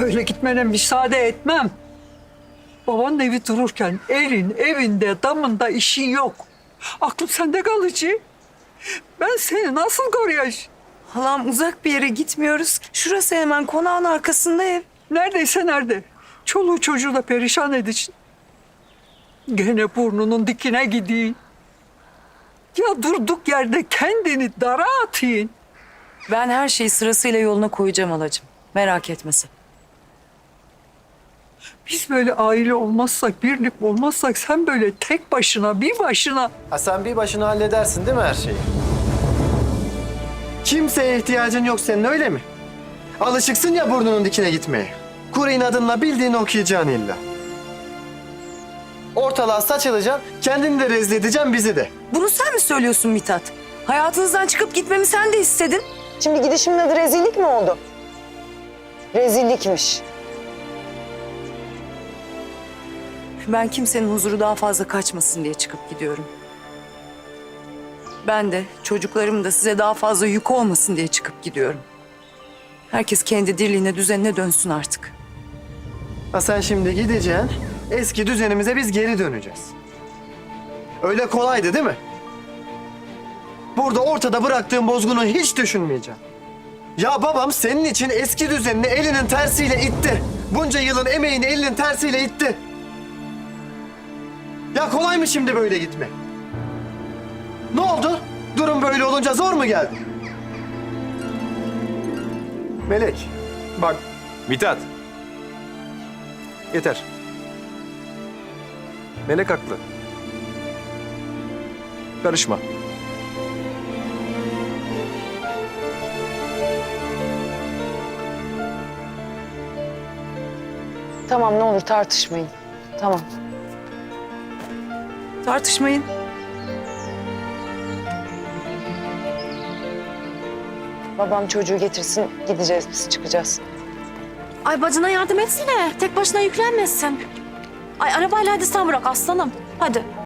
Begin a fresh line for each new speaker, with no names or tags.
Böyle gitmene müsaade etmem. Babanın evi dururken elin evinde damında işin yok. Aklım sende kalıcı. Ben seni nasıl koruyacağım?
Halam uzak bir yere gitmiyoruz. Şurası hemen konağın arkasında ev.
Neredeyse nerede? Çoluğu çocuğu da perişan edeceksin. Gene burnunun dikine gideyim. Ya durduk yerde kendini dara atayım.
Ben her şeyi sırasıyla yoluna koyacağım halacığım. Merak etme sen.
Biz böyle aile olmazsak, birlik olmazsak sen böyle tek başına, bir başına...
Ha sen bir başına halledersin değil mi her şeyi? Kimseye ihtiyacın yok senin öyle mi? Alışıksın ya burnunun dikine gitmeye. Kuru inadınla bildiğini okuyacaksın illa. Ortalığa saçılacaksın, kendini de rezil edeceksin bizi de.
Bunu sen mi söylüyorsun Mithat? Hayatınızdan çıkıp gitmemi sen de istedin.
Şimdi gidişimin adı rezillik mi oldu? Rezillikmiş.
Ben kimsenin huzuru daha fazla kaçmasın diye çıkıp gidiyorum. Ben de çocuklarım da size daha fazla yük olmasın diye çıkıp gidiyorum. Herkes kendi dirliğine, düzenine dönsün artık.
Ha sen şimdi gideceksin, eski düzenimize biz geri döneceğiz. Öyle kolaydı değil mi? Burada ortada bıraktığın bozgunu hiç düşünmeyeceğim. Ya babam senin için eski düzenini elinin tersiyle itti. Bunca yılın emeğini elinin tersiyle itti. Ya kolay mı şimdi böyle gitme? Ne oldu? Durum böyle olunca zor mu geldi? Melek, bak
Mithat. Yeter. Melek haklı. Karışma.
Tamam ne olur tartışmayın. Tamam.
Tartışmayın.
Babam çocuğu getirsin gideceğiz biz çıkacağız.
Ay bacına yardım etsene. Tek başına yüklenmesin. Ay arabayla hadi sen bırak aslanım. Hadi.